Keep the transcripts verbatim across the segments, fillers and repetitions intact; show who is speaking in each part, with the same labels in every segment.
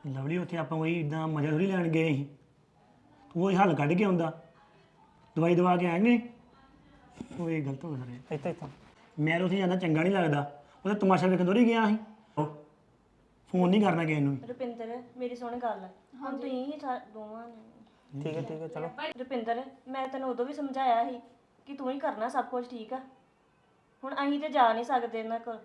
Speaker 1: Lovely ਉੱਥੇ ਆਪਾਂ ਕੋਈ ਇਦਾਂ ਮਜ਼ਾ ਥੋੜੀ ਲੈਣ ਗਏ ਸੀ ਤੂੰ ਉਹ ਹੱਲ ਕੱਢ ਕੇ ਆਉਂਦਾ ਦਵਾਈ ਦਵਾ ਕੇ ਆਏਂਗੇ ਉਹ ਇਹ ਗਲਤ ਹੋ ਗਿਆ ਸਾਰੇ
Speaker 2: ਇੱਥੇ ਇੱਥੇ
Speaker 1: ਮੈਂ ਤਾਂ ਉੱਥੇ ਜਾਂਦਾ ਚੰਗਾ ਨਹੀਂ ਲੱਗਦਾ ਉਹਦਾ ਤਮਾਸ਼ਾ ਵੇਖਣ ਥੋੜੀ ਗਿਆ ਸੀ ਫੋਨ ਨਹੀਂ ਕਰਨਾ ਕਿਸੇ ਨੂੰ ਵੀ।
Speaker 3: ਰੁਪਿੰਦਰ ਮੇਰੀ ਸੁਣ ਗੱਲ ਹੁਣ ਤੁਸੀਂ ਹੀ ਸਾ- ਦੋਵਾਂ ਨੇ
Speaker 2: ਠੀਕ ਹੈ ਠੀਕ ਹੈ ਚਲੋ
Speaker 3: ਰੁਪਿੰਦਰ ਮੈਂ ਤੈਨੂੰ ਉਦੋਂ ਵੀ ਸਮਝਾਇਆ ਸੀ ਕਿ ਤੂੰ ਹੀ ਕਰਨਾ ਸਭ ਕੁਝ ਠੀਕ ਆ ਹੁਣ ਅਸੀਂ ਤੇ ਜਾ ਨਹੀਂ ਸਕਦੇ ਇਹਨਾਂ ਕੋਲ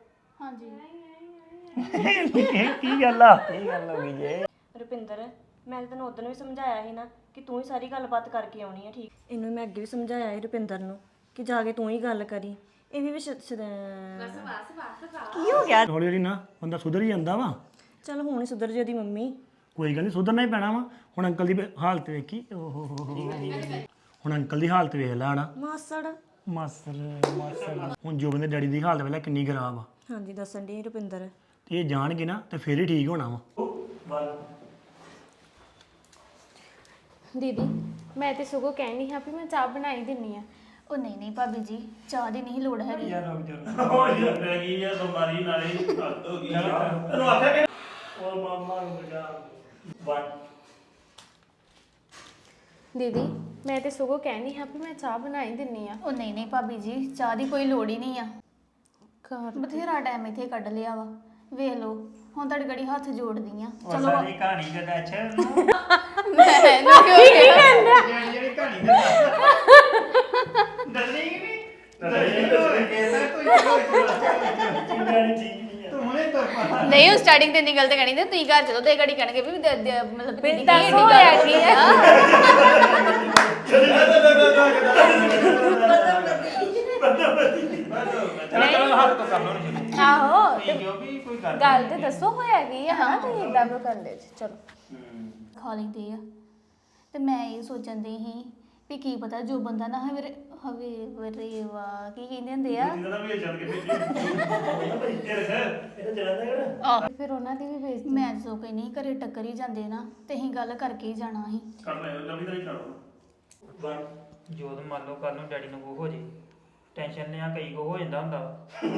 Speaker 1: ਇਹ ਕੀ ਗੱਲ ਆ
Speaker 2: ਕੀ ਗੱਲ ਹੋ ਗਈ ਜੇ
Speaker 3: ਰੁਪਿੰਦਰ ਮੈਂ ਤਾਂ ਤੈਨੂੰ ਉਦੋਂ ਵੀ ਸਮਝਾਇਆ ਸੀ ਨਾ ਕਿ ਤੂੰ ਹੀ ਸਾਰੀ ਗੱਲਬਾਤ ਕਰਕੇ ਆਉਣੀ ਹੈ ਠੀਕ ਇਹਨੂੰ ਮੈਂ ਅੱਗੇ ਵੀ ਸਮਝਾਇਆ ਸੀ ਰੁਪਿੰਦਰ ਨੂੰ ਕਿ ਜਾ ਕੇ ਤੂੰ ਹੀ ਗੱਲ ਕਰੀ ਇਹ ਵੀ ਬਸ ਬਸ ਕੀ ਹੋ ਗਿਆ
Speaker 1: ਹੌਲੀ ਹੌਲੀ ਨਾ ਬੰਦਾ ਸੁਧਰ ਹੀ ਜਾਂਦਾ ਵਾ
Speaker 3: ਚਲ ਹੁਣ ਹੀ ਸੁਧਰ ਜੀ ਉਹਦੀ ਮੰਮੀ
Speaker 1: ਕੋਈ ਗੱਲ ਨਹੀਂ ਸੁਧਰਨਾ ਹੀ ਪੈਣਾ ਵਾ ਹੁਣ ਅੰਕਲ ਦੀ ਹਾਲਤ ਵੇਖੀ ਓਹ ਹੋ ਹੋ ਹੋ ਹੁਣ ਅੰਕਲ ਦੀ ਹਾਲਤ ਵੇਖ ਲੈ ਹਣਾ
Speaker 3: ਮਾਸੜ
Speaker 1: ਮਾਸਰ ਮਾਸਰ ਹੁਣ ਜੋਬਨ ਦੇ ਡੈਡੀ ਦੀ ਹਾਲਤ ਵੇਖ ਲੈ ਕਿੰਨੀ ਖਰਾਬ ਆ
Speaker 3: ਹਾਂਜੀ ਦੱਸਣ ਦੀ ਰੁਪਿੰਦਰ
Speaker 1: ਤੇ ਇਹ ਜਾਣਗੇ ਨਾ ਤੇ ਫੇਰ ਹੀ ਠੀਕ ਹੋਣਾ ਵਾ
Speaker 4: ਦੀਦੀ ਮੈਂ ਤੇ ਸਗੋਂ ਕਹਿਣੀ ਹਾਂ ਵੀ ਮੈਂ ਚਾਹ ਬਣਾਈ ਦਿੰਨੀ ਆ
Speaker 5: ਉਹ ਨਹੀਂ ਨਹੀਂ ਭਾਬੀ ਜੀ ਚਾਹ ਦੀ ਨਹੀਂ ਲੋੜ ਹੈਗੀ
Speaker 4: ਦੀਦੀ ਮੈਂ ਤੇ ਸਗੋਂ ਕਹਿਣੀ ਹਾਂ ਵੀ ਮੈਂ ਚਾਹ ਬਣਾਈ ਦਿੰਨੀ ਆ
Speaker 5: ਉਹ ਨਹੀਂ ਨਹੀਂ ਭਾਬੀ ਜੀ ਚਾਹ ਦੀ ਕੋਈ ਲੋੜ ਹੀ ਨਹੀਂ ਆ
Speaker 4: ਘਰ
Speaker 5: ਬਥੇਰਾ ਟਾਈਮ ਇੱਥੇ ਕੱਢ ਲਿਆ ਵਾ ਵੇਖ ਲਓ ਹੁਣ ਤੁਹਾਡੇ ਗੜੀ ਹੱਥ ਜੋੜਦੀ ਆ ਚਲੋ
Speaker 2: ਸਾਰੀ ਕਹਾਣੀ ਦਾ ਦੱਸ
Speaker 5: ਮੈਂ ਨਾ ਕਿਉਂ ਕਹਿੰਦਾ
Speaker 2: ਜਿਹੜੀ ਕਹਾਣੀ ਦਾ ਦੱਸਣੀ ਕਿ ਨਹੀਂ
Speaker 5: ਨਹੀਂ ਉਹ ਸਟਾਰਟਿੰਗ ਤੇ ਨਹੀਂ ਗਲਤ ਕਹਿਣੀ ਤੇ ਤੁਸੀਂ ਘਰ ਚਲੋ ਤੇ ਗੜੀ ਕਹਿਣਗੇ ਵੀ ਦ- ਦ- ਮਤਲਬ ਦੀਦੀ ਕੀ
Speaker 4: ਦੱਸ
Speaker 5: ਇੰਨੀ
Speaker 4: ਹੋਇਆ
Speaker 5: ਗੱਲ
Speaker 4: ਕੀ
Speaker 5: ਹੋਈ
Speaker 4: ਹੈ?
Speaker 5: ਆ।
Speaker 4: ਆਹੋ ਤੇ
Speaker 2: ਜੋ ਵੀ ਕੋਈ ਗੱਲ
Speaker 4: ਗੱਲ ਤੇ ਦੱਸੋ ਹੋਇਆ ਕੀ ਆ ਹਾਂ ਤੁਸੀਂ ਇਦਾਂ ਕਿਉਂ ਕਰਦੇ ਜੀ ਚਲੋ
Speaker 5: ਖਾ ਲੈਂਦੇ ਆ ਤੇ ਮੈਂ ਇਹ ਸੋਚਣ ਦੀ ਸੀ ਵੀ ਕੀ ਪਤਾ ਜੋ ਬੰਦਾ ਨਾ ਹਵੇ ਹਵੇ ਵਰੇਵਾ ਕੀ ਕਹਿੰਦੇ ਹੁੰਦੇ ਆ ਆਹ,
Speaker 4: ਫਿਰ ਉਹਨਾਂ ਦੀ ਵੀ ਬੇਇੱਜ਼ਤੀ
Speaker 5: ਮੈਂ ਸੋ ਕੇ ਨਹੀਂ ਘਰੇ ਟੱਕਰ ਹੀ ਜਾਂਦੇ ਨਾ ਤੇ ਅਸੀਂ ਗੱਲ ਕਰਕੇ ਹੀ ਜਾਣਾ ਸੀ
Speaker 2: ਜੋਦ ਮੰਨ ਲਓ ਕੱਲ ਨੂੰ ਡੈਡੀ ਨੂੰ ਕੋ ਹੋ ਜੇ ਟੈਨਸ਼ਨ ਲਿਆ ਕਈ ਕੋ ਹੋ ਜਾਂਦਾ ਹੁੰਦਾ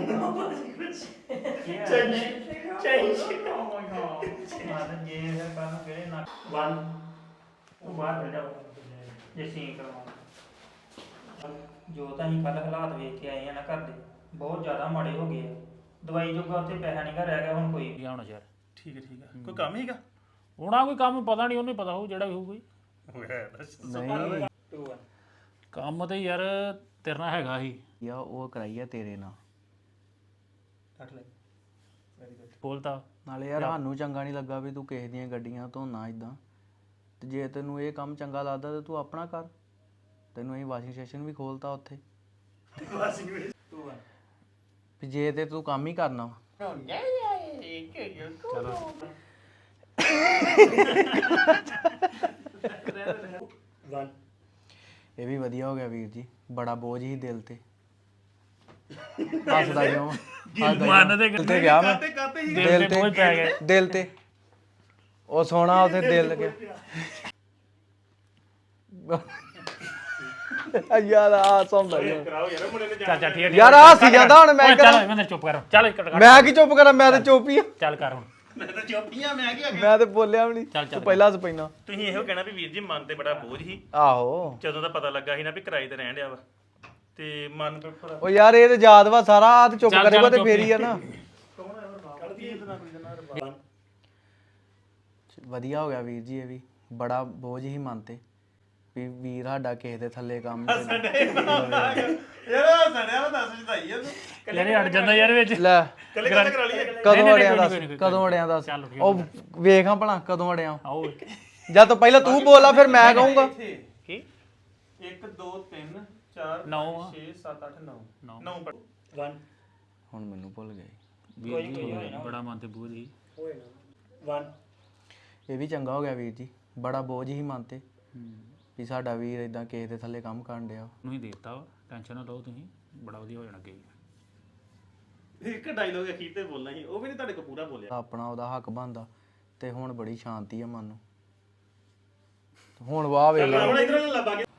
Speaker 2: ਮਾਨ ਜੇ ਹੈ ਕੱਲ ਨੂੰ ਕਿਹੜੇ ਨਾ
Speaker 1: ਵਨ
Speaker 2: ਉਹ ਬਾਹਰ ਬੈਠ ਜਾਓ ਜੇ ਸੀ ਕਰਵਾਉਣਾ ਜੋ ਤਾਂ ਅਸੀਂ ਕੱਲ ਹਾਲਾਤ ਵੇਖ ਕੇ ਆਏ ਆ ਨਾ ਘਰ ਦੇ ਬਹੁਤ ਜ਼ਿਆਦਾ ਮਾੜੇ ਹੋ ਗਏ ਆ ਦਵਾਈ ਜੋਗਾ ਉੱਥੇ ਪੈਸਾ ਨਹੀਂ ਗਾ ਰਹਿ ਗਿਆ ਹੁਣ ਕੋਈ
Speaker 6: ਗਿਆ ਹੋਣਾ ਯਾਰ
Speaker 1: ਠੀਕ ਹੈ ਠੀਕ ਹੈ ਕੋਈ ਕੰਮ ਹੀਗਾ
Speaker 6: ਹੋਣਾ ਕੋਈ ਕੰਮ ਪਤਾ ਨਹੀਂ ਉਹਨੂੰ ਹੀ ਪਤਾ ਹੋਊ ਜਿਹੜਾ ਵੀ ਹੋਊ ਕੋਈ
Speaker 1: ਨਹੀਂ
Speaker 6: ਕੰਮ ਤੇ ਯਾਰ ਤੇਰੇ ਨਾਲ ਹੈਗਾ ਸੀ
Speaker 7: ਯਾ ਉਹ ਕਰਾਈ ਆ ਤੇਰੇ ਨਾਲ
Speaker 1: ਕੱਟ ਲੈ
Speaker 6: ਬੋਲਤਾ
Speaker 7: ਨਾਲੇ ਯਾਰ ਸਾਨੂੰ ਚੰਗਾ ਨਹੀਂ ਲੱਗਾ ਵੀ ਤੂੰ ਕਿਸੇ ਦੀਆਂ ਗੱਡੀਆਂ ਧੋਣਾ ਇਦਾਂ ਤੇ ਜੇ ਤੈਨੂੰ ਇਹ ਕੰਮ ਚੰਗਾ ਲੱਗਦਾ ਤੇ ਤੂੰ ਆਪਣਾ ਕਰ ਤੈਨੂੰ ਅਸੀਂ ਵਾਸ਼ਿੰਗ ਸਟੇਸ਼ਨ ਵੀ ਖੋਲਤਾ ਉੱਥੇ ਵੀ ਜੇ ਤੇ ਤੂੰ ਕੰਮ ਹੀ ਕਰਨਾ ਵਾ।
Speaker 1: ਵਨ
Speaker 7: ਇਹ ਵੀ ਵਧੀਆ ਹੋ ਗਿਆ ਵੀਰ ਜੀ ਬੜਾ ਬੋਝ ਹੀ ਦਿਲ ਤੇ ਹੱਸਦਾ ਕਿਉਂ
Speaker 6: ਮਨ ਦੇ
Speaker 7: ਦਿਲ ਤੇ ਗਿਆ ਮੈਂ
Speaker 6: ਦਿਲ ਤੇ ਬੋਝ ਪੈ ਗਿਆ
Speaker 7: ਦਿਲ ਤੇ ਉਹ ਸੋਹਣਾ ਉੱਥੇ ਦਿਲ ਲੱਗਿਆ ਯਾਰ ਆ ਸੌਂਦਾ ਯਾਰ
Speaker 6: ਚੱਲ ਚੱਲ ਠੀਕ ਹੈ
Speaker 7: ਯਾਰ ਆ ਸੀ ਜਾਂਦਾ ਹੁਣ ਮੈਂ
Speaker 6: ਓਏ
Speaker 7: ਕਰਾਂ
Speaker 6: ਚੱਲ ਮੈਂ ਚੁੱਪ ਕਰ ਚੱਲ ਕੱਟ ਕੱਟ
Speaker 7: ਮੈਂ ਕੀ ਚੁੱਪ ਕਰਾਂ ਮੈਂ ਤੇ ਚੁੱਪ ਹੀ ਆ
Speaker 6: ਚੱਲ ਕਰ ਹੁਣ
Speaker 7: ਮੈਂ ਤੇ ਬੋਲਿਆ ਵੀ ਨਹੀਂ
Speaker 6: ਚੱਲ, ਚੱਲ।
Speaker 7: ਤੂੰ ਪਹਿਲਾਂ ਸ ਪੈਣਾ
Speaker 8: ਤੁਸੀਂ ਇਹੋ ਕਹਿਣਾ ਵੀ ਵੀਰ ਜੀ ਮਨ ਤੇ ਬੜਾ ਬੋਝ ਸੀ
Speaker 7: ਆਹੋ
Speaker 8: ਜਦੋਂ ਦਾ ਪਤਾ ਲੱਗਾ ਸੀ ਨਾ ਵੀ ਕਿਰਾਏ ਤੇ ਰਹਿਣ ਡਿਆ ਵਾ ਤੇ ਮਨ ਤੇ ਥੋੜਾ
Speaker 7: ਉਹ ਯਾਰ ਇਹ ਤੇ ਯਾਦ ਵਾ ਸਾਰਾ ਆ ਤੇ ਚੁੱਪ
Speaker 6: ਚੱਲ,
Speaker 7: ਕਰੇਗਾ
Speaker 6: ਚੱਲ,
Speaker 7: ਤੇ
Speaker 6: ਚੁੱਪ
Speaker 7: ਫੇਰ ਹੀ ਆ ਨਾ ਵਧੀਆ ਹੋ ਗਿਆ ਵੀਰ ਜੀ ਇਹ ਵੀ ਬੜਾ ਬੋਝ ਹੀ ਮਨ ਤੇ ਵੀ ਵੀਰ ਸਾਡਾ ਕਿਸੇ ਦੇ ਥੱਲੇ ਕੰਮ ਤੇ
Speaker 8: ਯਾਰ ਸੜਿਆ ਨਾ ਦੱਸ ਜਦਾਈ ਆ ਤੂੰ
Speaker 6: ਯਾਰ ਇਹ ਅੜ ਜਾਂਦਾ ਯਾਰ ਵਿੱਚ
Speaker 7: ਲੈ
Speaker 8: ਕੱਲੇ ਕੱਲੇ ਕਰਾ ਲਈਏ
Speaker 7: ਕਦੋਂ
Speaker 6: ਨਹੀਂ,
Speaker 7: ਅੜਿਆ
Speaker 6: ਕੋਈ
Speaker 7: ਦੱਸ
Speaker 6: ਨਹੀਂ, ਕੋਈ ਨਹੀਂ,
Speaker 7: ਕਦੋਂ ਅੜਿਆ ਦੱਸ
Speaker 6: ਚੱਲ ਠੀਕ
Speaker 7: ਉਹ ਵੇਖਾਂ ਭਲਾ ਕਦੋਂ ਅੜਿਆ
Speaker 6: ਆਓ
Speaker 7: ਜਦ ਤੋਂ ਪਹਿਲਾਂ ਤੂੰ ਬੋਲਾ ਫਿਰ ਮੈਂ ਕਹੂੰਗਾ
Speaker 6: ਕੀ
Speaker 8: ਇੱਕ ਦੋ ਤਿੰਨ ਚਾਰ
Speaker 6: ਨੌ ਆ।
Speaker 8: ਛੇ ਸੱਤ ਅੱਠ ਨੌ
Speaker 6: ਨੌ।
Speaker 8: ਨੌ ਪੜ
Speaker 1: ਵਨ
Speaker 7: ਹੁਣ ਮੈਨੂੰ ਭੁੱਲ ਗਏ
Speaker 6: ਵੀਰ ਜੀ ਬੜਾ ਮਨ ਤੇ ਬੋਝ ਸੀ
Speaker 1: ਹੋਏ ਨਾ ਵਨ
Speaker 7: ਇਹ ਵੀ ਚੰਗਾ ਹੋ ਗਿਆ ਵੀਰ ਜੀ ਬੜਾ ਬੋਝ ਹੀ ਮਨ ਤੇ ਵੀ ਸਾਡਾ ਵੀਰ ਇਦਾਂ ਕਿਸੇ ਦੇ ਥੱਲੇ ਕੰਮ ਕਰਨ ਡਿਆ
Speaker 6: ਨੂੰ ਹੀ ਦੇਤਾ ਵਾ ਟੈਨਸ਼ਨ ਨਾ ਲਓ ਤੁਸੀਂ ਬੜਾ ਵਧੀਆ ਹੋ ਜਾਣਾ ਅੱਗੇ
Speaker 8: ਇੱਕ ਡਾਇਲੋਗ ਅਖੀਰ ਤੇ ਬੋਲਣਾ ਸੀ ਉਹ ਵੀ ਨਹੀਂ ਤੁਹਾਡੇ ਕੋਲ ਪੂਰਾ ਬੋਲਿਆ
Speaker 7: ਆਪਣਾ ਉਹਦਾ ਹੱਕ ਬਣਦਾ ਤੇ ਹੁਣ ਬੜੀ ਸ਼ਾਂਤੀ ਆ ਮਨ ਨੂੰ ਹੁਣ ਵਾਹ ਵੇਖ ਲਾ
Speaker 8: ਹੁਣ ਇਧਰੋਂ ਲੱਭਾ ਕੇ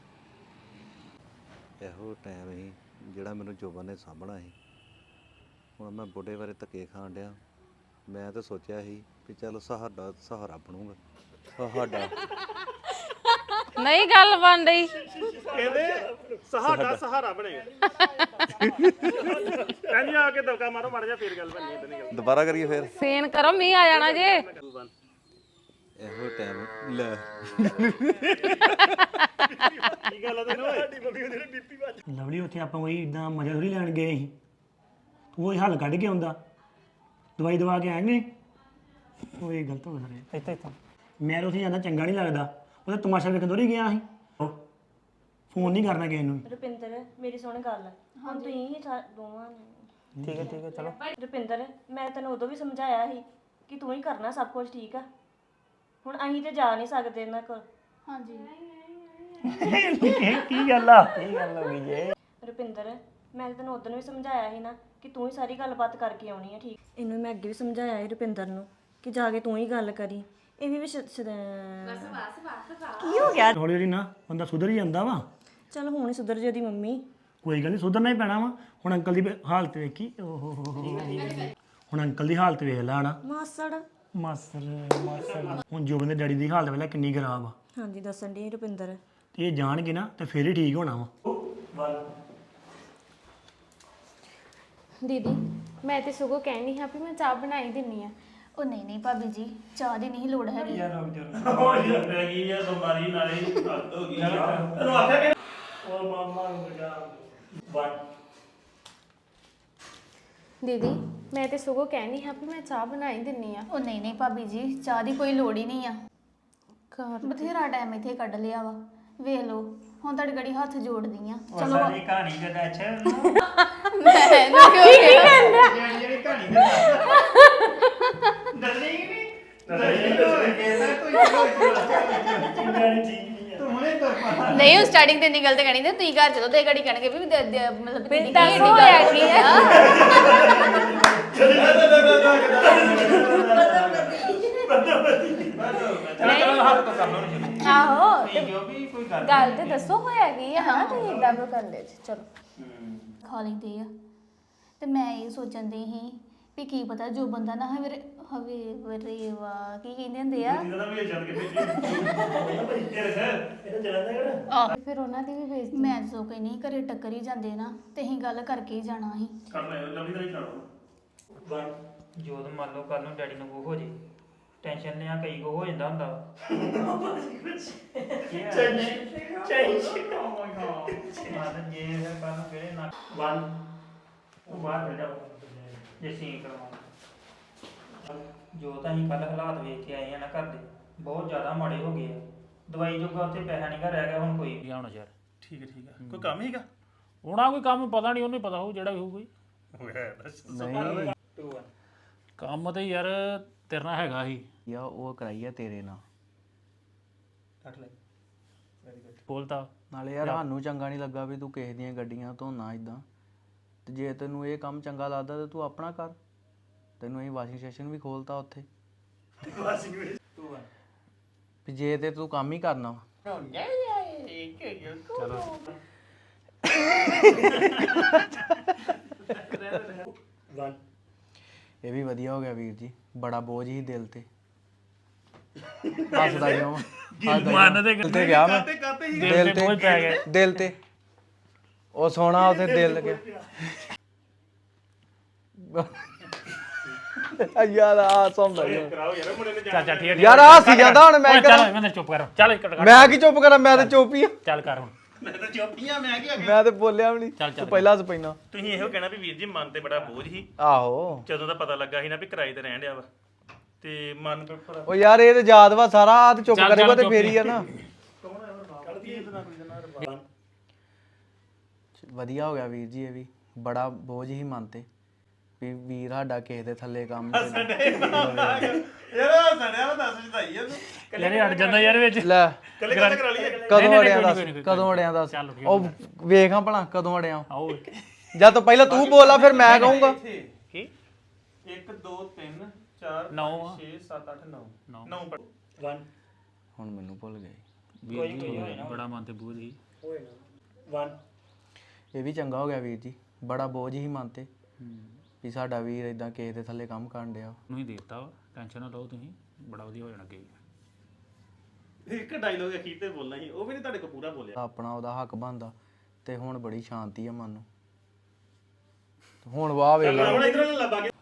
Speaker 9: ਇਹੋ ਟਾਈਮ ਸੀ ਜਿਹੜਾ ਮੈਨੂੰ ਜੋਬਨ ਨੇ ਸਾਂਭਣਾ ਸੀ ਹੁਣ ਮੈਂ ਬੁੱਢੇ ਬਾਰੇ ਧੱਕੇ ਖਾਣ ਡਿਆ। ਮੈਂ ਤਾਂ ਸੋਚਿਆ ਸੀ ਵੀ ਚੱਲ ਸਹਾਰਾ ਸਹਾਰਾ ਬਣੂਗਾ ਸਹਾਰਾ
Speaker 10: ਨਹੀਂ ਗੱਲ ਬਣ ਰਹੀ।
Speaker 8: ਕਹਿੰਦੇ ਸਹਾਡਾ ਸਹਾਰਾ ਬਣੇਗਾ ਕਹਿੰਦੀ ਆ ਕੇ ਦਬਕਾ ਮਾਰੋ ਮਾਰ ਜਾ ਫੇਰ ਗੱਲ ਬਣਨੀ ਇਦਾਂ ਨਹੀਂ ਗੱਲ
Speaker 9: ਦੁਬਾਰਾ ਕਰੀਏ ਫਿਰ
Speaker 10: ਸੀਨ ਕਰੋ, ਮੀਂਹ ਆ ਜਾਣਾ ਜੇ।
Speaker 9: ਇਹੋ ਟਾਈਮ ਲੈ
Speaker 8: ਕੀ ਗੱਲ ਆ ਤੈਨੂੰ ਸਾਡੀ ਮੰਮੀ ਉਹਦੇ ਬੀਪੀ ਵੱਜ
Speaker 1: ਲਵਲੀ ਉੱਥੇ ਆਪਾਂ ਕੋਈ ਇਦਾਂ ਮਜ਼ਾ ਥੋੜੀ ਲੈਣ ਗਏ ਸੀ। ਤੂੰ ਉਹ ਹੱਲ ਕੱਢ ਕੇ ਆਉਂਦਾ, ਦਵਾਈ ਦਵਾ ਕੇ ਆਏਂਗੇ। ਉਹ ਇਹ ਗਲਤ ਹੋ ਗਿਆ
Speaker 2: ਇੱਥੇ ਇੱਥੇ
Speaker 1: ਮੈਂ ਤਾਂ ਉੱਥੇ ਜਾਂਦਾ ਚੰਗਾ ਨਹੀਂ ਲੱਗਦਾ। ਉਹਦਾ ਤਮਾਸ਼ਾ ਵੇਖਣ ਥੋੜੀ ਗਿਆ ਸੀ। ਫੋਨ ਨਹੀਂ ਕਰਨਾ ਕਿਸੇ ਨੂੰ।
Speaker 3: ਰੁਪਿੰਦਰ ਮੇਰੀ ਸੁਣ ਗੱਲ, ਹੁਣ ਤੁਸੀਂ ਹੀ ਸਾ- ਦੋਵਾਂ ਨੇ
Speaker 2: ਠੀਕ ਹੈ ਠੀਕ ਹੈ ਚਲੋ।
Speaker 3: ਰੁਪਿੰਦਰ ਮੈਂ ਤੈਨੂੰ ਉਦੋਂ ਵੀ ਸਮਝਾਇਆ ਸੀ ਕਿ ਤੂੰ ਹੀ ਕਰਨਾ ਸਭ ਕੁਝ, ਠੀਕ ਆ। ਹੁਣ ਅਸੀਂ ਤੇ ਜਾ ਨਹੀਂ ਸਕਦੇ ਇਹਨਾਂ ਕੋਲ।
Speaker 5: ਹਾਂਜੀ
Speaker 1: ਕੀ ਗੱਲ ਆ?
Speaker 2: ਇਹ ਗੱਲ ਹੋ ਗਈ ਜੇ।
Speaker 3: ਰੁਪਿੰਦਰ ਮੈਂ ਤਾਂ ਤੈਨੂੰ ਉਦੋਂ ਵੀ ਸਮਝਾਇਆ ਸੀ ਨਾ ਕਿ ਤੂੰ ਹੀ ਸਾਰੀ ਗੱਲਬਾਤ ਕਰਕੇ ਆਉਣੀ ਹੈ, ਠੀਕ। ਇਹਨੂੰ ਮੈਂ ਅੱਗੇ ਵੀ ਸਮਝਾਇਆ ਸੀ ਰੁਪਿੰਦਰ ਨੂੰ ਕਿ ਜਾ ਕੇ ਤੂੰ ਹੀ ਗੱਲ ਕਰੀ। ਇਹ ਵੀ ਵਿਸ਼ ਕੀ ਹੋ ਗਿਆ?
Speaker 1: ਹੌਲੀ ਹੌਲੀ ਨਾ ਬੰਦਾ ਸੁਧਰ ਹੀ ਜਾਂਦਾ ਵਾ।
Speaker 3: ਚਲ ਹੁਣ ਹੀ ਸੁਧਰ ਜੇ ਉਹਦੀ ਮੰਮੀ।
Speaker 1: ਕੋਈ ਗੱਲ ਨਹੀਂ, ਸੁਧਰਨਾ ਹੀ ਪੈਣਾ ਵਾ। ਹੁਣ ਅੰਕਲ ਦੀ ਵੇ- ਹਾਲਤ ਵੇਖੀ। ਓਹ ਹੋ ਹੋ ਹੋ। ਹੁਣ ਅੰਕਲ ਦੀ ਹਾਲਤ ਵੇਖ ਲੈ ਹਨਾ।
Speaker 3: ਮਾਸੜ
Speaker 1: ਮਾਸਰ ਮਾਸਰ ਹੁਣ ਜੋਬਨ ਦੇ ਡੈਡੀ ਦੀ ਹਾਲਤ ਵੇਖ ਲੈ ਕਿੰਨੀ ਖਰਾਬ ਆ।
Speaker 3: ਹਾਂਜੀ ਦੱਸਣ ਦੀ ਰੁਪਿੰਦਰ।
Speaker 1: ਤੇ ਇਹ ਜਾਣਗੇ ਨਾ ਤੇ ਫੇਰ ਹੀ ਠੀਕ ਹੋਣਾ ਵਾ।
Speaker 4: ਦੀਦੀ ਮੈਂ ਤੇ ਸਗੋਂ ਕਹਿਣੀ ਹਾਂ ਵੀ ਮੈਂ ਚਾਹ ਬਣਾਈ ਦਿੰਨੀ ਆ।
Speaker 5: ਉਹ ਨਹੀਂ ਨਹੀਂ ਭਾਬੀ ਜੀ, ਚਾਹ ਦੀ ਨਹੀਂ ਲੋੜ ਹੈਗੀ।
Speaker 4: ਦੀਦੀ ਮੈਂ ਤੇ ਸਗੋਂ ਕਹਿਣੀ ਹਾਂ ਵੀ ਮੈਂ ਚਾਹ ਬਣਾਈ ਦਿੰਨੀ ਆ।
Speaker 5: ਉਹ ਨਹੀਂ ਨਹੀਂ ਭਾਬੀ ਜੀ, ਚਾਹ ਦੀ ਕੋਈ ਲੋੜ ਹੀ ਨਹੀਂ ਆ।
Speaker 4: ਘਰ
Speaker 5: ਬਥੇਰਾ ਟਾਈਮ ਇੱਥੇ ਕੱਢ ਲਿਆ ਵਾ, ਵੇਖ ਲਓ ਹੁਣ ਤੁਹਾਡੀ ਗੜੀ ਹੱਥ ਜੋੜਦੀ ਆ।
Speaker 2: ਚਲੋ ਸਾਡੀ ਕਹਾਣੀ ਦਾ ਦੱਸ
Speaker 5: ਮੈਂ ਨਾ ਕਿਉਂ ਕਿਹਾ?
Speaker 2: ਜਿਹੜੀ ਕਹਾਣੀ ਦਾ ਦੱਸਣੀ ਕਿ ਨਹੀਂ
Speaker 5: ਨਹੀਂ ਉਹ ਸਟਾਰਟਿੰਗ ਤੇ ਨਹੀਂ ਗਲਤ ਕਹਿਣੀ ਤੇ ਤੁਸੀਂ ਘਰ ਚਲੋ ਤੇ ਗੜੀ ਕਹਿਣਗੇ ਵੀ ਦ- ਦ- ਮਤਲਬ ਦੀਦੀ ਕੀ
Speaker 4: ਦੱਸੋ ਹੋਇਆ ਕੀ ਹੈ?
Speaker 2: ਚਲੋ ਚਲੋ ਹੱਥ ਤੋਂ ਕਰ ਲਓ ਨਾ ਸ਼ੁਰੂ।
Speaker 4: ਆਹੋ
Speaker 2: ਤੁਸੀਂ ਜੋ ਵੀ ਕੋਈ ਗੱਲ
Speaker 4: ਗੱਲ ਤੇ ਦੱਸੋ ਹੋਇਆ ਕੀ ਹੈ। ਹਾਂ ਤੁਸੀਂ ਇਦਾਂ ਕਿਉਂ ਕਰਦੇ ਜੀ? ਚਲੋ
Speaker 5: ਖਾ ਲੈਂਦੇ ਆ। ਤੇ ਮੈਂ ਇਹ ਸੋਚਣ ਦੀ ਸੀ ਵੀ ਕੀ ਪਤਾ ਜੋ ਬੰਦਾ ਨਾ ਹਵੇ ਹਵੇ ਵਰੇਵਾ ਕੀ ਕਹਿੰਦੇ ਹੁੰਦੇ ਆ। ਆਹ,
Speaker 4: ਫਿਰ ਉਹਨਾਂ ਦੀ ਵੀ ਬੇਇੱਜ਼ਤੀ।
Speaker 5: ਮੈਂ ਸੋ ਕੇ ਨਹੀਂ ਘਰੇ ਟੱਕਰ ਹੀ ਜਾਂਦੇ ਨਾ ਤੇ ਅਸੀਂ ਗੱਲ ਕਰਕੇ ਹੀ ਜਾਣਾ ਸੀ।
Speaker 2: ਜੋਤ ਮੰਨ ਲਓ ਕੱਲ ਨੂੰ ਡੈਡੀ ਨੂੰ ਕੋ ਹੋ ਜੇ ਟੈਨਸ਼ਨ ਲਿਆ ਕਈ ਕੋ ਹੋ ਜਾਂਦਾ ਹੁੰਦਾ ਮਾਨ ਜੇ ਫਿਰ ਕੱਲ ਨੂੰ ਕਿਹੜੇ ਨਾ ਵਨ ਉਹ ਬਾਹਰ ਬੈਠਾ ਜੇ ਸੀਨ ਕਰਵਾਉਣਾ ਜੋ ਤਾਂ ਅਸੀਂ ਕੱਲ ਹਾਲਾਤ ਵੇਖ ਕੇ ਆਏ ਆ ਨਾ ਘਰ ਦੇ ਬਹੁਤ ਜ਼ਿਆਦਾ ਮਾੜੇ ਹੋ ਗਏ ਆ। ਦਵਾਈ ਜੋਗਾ ਉੱਥੇ ਪੈਸਾ ਨਹੀਂ ਗਾ ਰਹਿ ਗਿਆ ਹੁਣ ਕੋਈ।
Speaker 6: ਕੀ ਹੋਣਾ ਯਾਰ?
Speaker 8: ਠੀਕ ਹੈ ਠੀਕ ਹੈ ਕੋਈ ਕੰਮ ਹੀਗਾ
Speaker 6: ਹੋਣਾ ਕੋਈ ਕੰਮ ਪਤਾ ਨਹੀਂ, ਉਹਨੂੰ ਹੀ ਪਤਾ ਹੋਊ ਜਿਹੜਾ ਵੀ ਹੋਊ ਕੋਈ
Speaker 8: ਹੋਇਆ ਬਸ
Speaker 7: ਨਹੀਂ
Speaker 6: ਕੰਮ ਤੇ ਯਾਰ ਤੇਰੇ ਨਾਲ ਹੈਗਾ ਸੀ।
Speaker 7: ਯਾ ਉਹ ਕਰਾਈ ਆ ਤੇਰੇ ਨਾਲ।
Speaker 8: ਕੱਟ ਲੈ
Speaker 6: ਬੋਲਤਾ
Speaker 7: ਨਾਲੇ ਯਾਰ ਸਾਨੂੰ ਚੰਗਾ ਨਹੀਂ ਲੱਗਾ ਵੀ ਤੂੰ ਕਿਸੇ ਦੀਆਂ ਗੱਡੀਆਂ ਧੋਣਾ ਇਦਾਂ। ਤੇ ਜੇ ਤੈਨੂੰ ਇਹ ਕੰਮ ਚੰਗਾ ਲੱਗਦਾ ਤੇ ਤੂੰ ਆਪਣਾ ਕਰ। ਤੈਨੂੰ ਅਸੀਂ ਵਾਸ਼ਿੰਗ ਸਟੇਸ਼ਨ ਵੀ ਖੋਲਤਾ ਉੱਥੇ। ਵੀ ਜੇ ਤੇ ਤੂੰ ਕੰਮ ਹੀ ਕਰਨਾ ਵਾ। ਚਲੋ ਇਹ ਵੀ ਵਧੀਆ ਹੋ ਗਿਆ ਵੀਰ ਜੀ, ਬੜਾ ਬੋਝ ਹੀ ਦਿਲ ਤੇ। ਹੱਸਦਾ ਕਿਉਂ?
Speaker 6: ਮਨ ਤੇ
Speaker 7: ਦਿਲ ਤੇ ਗਿਆ ਮੈਂ
Speaker 6: ਦਿਲ ਤੇ ਬੋਝ ਪੈ ਗਿਆ।
Speaker 7: ਦਿਲ ਤੇ ਉਹ ਸੋਹਣਾ ਉੱਥੇ ਦਿਲ ਲੱਗਿਆ। ਯਾਰ ਆ ਸੌਂਦਾ
Speaker 8: ਕਰਾਓ ਯਾਰ ਮੁੰਡੇ ਨੇ
Speaker 6: ਚੱਲ ਚੱਲ ਠੀਕ ਹੈ
Speaker 7: ਯਾਰ ਆ ਸੀ ਜਾਂਦਾ ਹੁਣ ਮੈਂ ਕਰਾਂ।
Speaker 6: ਚੱਲ ਮੈਂ ਚੁੱਪ ਕਰ ਚੱਲ ਇੱਕ ਕੱਟ
Speaker 7: ਮੈਂ ਕੀ ਚੁੱਪ ਕਰਾਂ? ਮੈਂ ਤਾਂ ਚੁੱਪ ਹੀ ਆ।
Speaker 6: ਚੱਲ ਕਰ ਹੁਣ।
Speaker 8: ਮੈਂ ਤਾਂ ਚੁੱਪੀਆਂ ਮੈਂ ਕੀ ਅੱਗੇ
Speaker 7: ਮੈਂ ਤੇ ਬੋਲਿਆ ਵੀ ਨਹੀਂ।
Speaker 6: ਚੱਲ ਚੱਲ
Speaker 7: ਤੂੰ ਪਹਿਲਾਂ ਸਪੈਨਾ।
Speaker 8: ਤੁਸੀਂ ਇਹੋ ਕਹਿਣਾ ਵੀ ਵੀਰ ਜੀ ਮਨ ਤੇ ਬੜਾ ਬੋਝ ਸੀ
Speaker 7: ਆਹੋ
Speaker 8: ਜਦੋਂ ਦਾ ਪਤਾ ਲੱਗਾ ਸੀ ਨਾ ਵੀ ਕਿਰਾਏ ਤੇ ਰਹਿਣ ਡਿਆ ਵਾ ਤੇ ਮਨ ਤੇ ਭਰਾ
Speaker 7: ਉਹ ਯਾਰ ਇਹ ਤੇ ਯਾਦ ਵਾ ਸਾਰਾ। ਆ ਤੇ ਚੁੱਪ
Speaker 6: ਚੱਲ,
Speaker 7: ਕਰੇਗਾ
Speaker 6: ਚੱਲ,
Speaker 7: ਤੇ
Speaker 6: ਚੁੱਪ
Speaker 7: ਫੇਰ ਹੀ ਆ ਨਾ।
Speaker 8: ਕੋਈ
Speaker 7: ਵਧੀਆ ਹੋ ਗਿਆ ਵੀਰ ਜੀ, ਇਹ ਵੀ ਬੜਾ ਬੋਝ ਹੀ ਮਨ ਤੇ ਵੀ ਵੀਰ ਸਾਡਾ ਕਿਸੇ ਦੇ ਥੱਲੇ ਕੰਮ ਤੇ
Speaker 8: ਯਾਰ ਸੜਿਆ ਵਾ ਦੱਸ ਜਦਾਈ ਆ ਤੂੰ
Speaker 6: ਯਾਰ ਇਹ ਅੜ ਜਾਂਦਾ ਯਾਰ ਵਿੱਚ।
Speaker 7: ਲੈ
Speaker 8: ਕੱਲੇ ਕੱਲੇ ਕਰਾ ਲਈਏ
Speaker 7: ਕਦੋਂ
Speaker 6: ਨਹੀਂ,
Speaker 7: ਅੜਿਆ
Speaker 6: ਕੋਈ
Speaker 7: ਦੱਸ?
Speaker 6: ਨਹੀਂ, ਕੋਈ ਨਹੀਂ,
Speaker 7: ਕਦੋਂ ਅੜਿਆ ਦੱਸ?
Speaker 6: ਚੱਲ ਠੀਕ
Speaker 7: ਉਹ ਵੇਖਾਂ ਭਲਾ ਕਦੋਂ ਅੜਿਆ।
Speaker 6: ਆਓ
Speaker 7: ਜਾਂ ਤਾਂ ਪਹਿਲਾਂ ਤੂੰ ਬੋਲਾ ਫਿਰ ਮੈਂ ਕਹੂੰਗਾ।
Speaker 6: ਕੀ
Speaker 8: ਇੱਕ ਦੋ ਤਿੰਨ ਚਾਰ
Speaker 6: ਨੌ ਆ।
Speaker 8: ਛੇ ਸੱਤ ਅੱਠ ਨੌ
Speaker 6: ਨੌ।
Speaker 8: ਨੌ ਪੜ
Speaker 7: ਹੁਣ ਮੈਨੂੰ ਭੁੱਲ ਗਏ।
Speaker 6: ਵੀਰ ਜੀ ਬੜਾ ਮਨ ਤੇ ਬੋਝ ਸੀ।
Speaker 7: ਇਹ ਵੀ ਚੰਗਾ ਹੋ ਗਿਆ ਵੀਰ ਜੀ, ਬੜਾ ਬੋਝ ਹੀ ਮਨ ਤੇ ਵੀ ਸਾਡਾ ਵੀਰ ਇਦਾਂ ਕਿਸੇ ਦੇ ਥੱਲੇ ਕੰਮ ਕਰਨ ਡਿਆ।
Speaker 6: ਨੂੰ ਹੀ ਦੇਤਾ ਵਾ ਟੈਨਸ਼ਨ ਨਾ ਲਓ ਤੁਸੀਂ ਬੜਾ ਵਧੀਆ ਹੋ ਜਾਣਾ ਅੱਗੇ
Speaker 8: ਇੱਕ ਡਾਇਲੋਗ ਅਖੀਰ ਤੇ ਬੋਲਣਾ ਸੀ ਉਹ ਵੀ ਨਹੀਂ ਤੁਹਾਡੇ ਕੋਲ ਪੂਰਾ ਬੋਲਿਆ
Speaker 7: ਆਪਣਾ ਉਹਦਾ ਹੱਕ ਬਣਦਾ ਤੇ ਹੁਣ ਬੜੀ ਸ਼ਾਂਤੀ ਆ ਮਨ ਨੂੰ। ਹੁਣ ਵਾਹ ਵੇਖ ਲਾ
Speaker 8: ਹੁਣ ਇਧਰੋਂ ਲੱਭਾ ਕੇ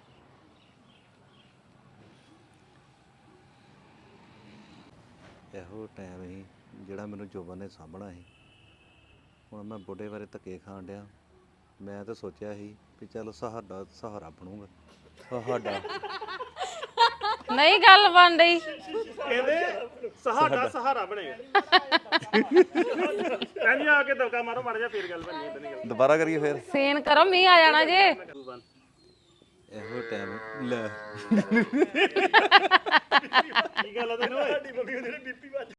Speaker 9: ਇਹੋ ਟਾਈਮ ਸੀ ਜਿਹੜਾ ਮੈਨੂੰ ਜੋਬਨ ਨੇ ਸਾਂਭਣਾ ਸੀ। ਹੁਣ ਮੈਂ ਬੁੱਢੇ ਬਾਰੇ ਧੱਕੇ ਖਾਣ ਡਿਆ। ਮੈਂ ਤਾਂ ਸੋਚਿਆ ਸੀ ਵੀ ਚੱਲ ਸਹਾਰਾ ਸਹਾਰਾ ਬਣੂਗਾ ਸਹਾਡਾ
Speaker 10: ਨਹੀਂ ਗੱਲ ਬਣ ਰਹੀ
Speaker 8: ਕਹਿੰਦੇ ਸਹਾਡਾ ਸਹਾਰਾ ਬਣੇਗਾ ਕਹਿੰਦੀ ਆ ਕੇ ਦਵਕਾ ਮਾਰੋ ਮਾਰ ਜਾ ਫੇਰ ਗੱਲ ਬਣੀ ਇਦਾਂ ਨਹੀਂ ਗੱਲ
Speaker 9: ਦੁਬਾਰਾ ਕਰੀਏ ਫਿਰ।
Speaker 10: ਸੀਨ ਕਰੋ ਮੀਂਹ ਆ ਜਾਣਾ ਜੇ
Speaker 9: ਇਹੋ ਟਾਈਮ ਲੈ
Speaker 8: ਕੀ ਗੱਲ ਆ ਤੈਨੂੰ ਓਏ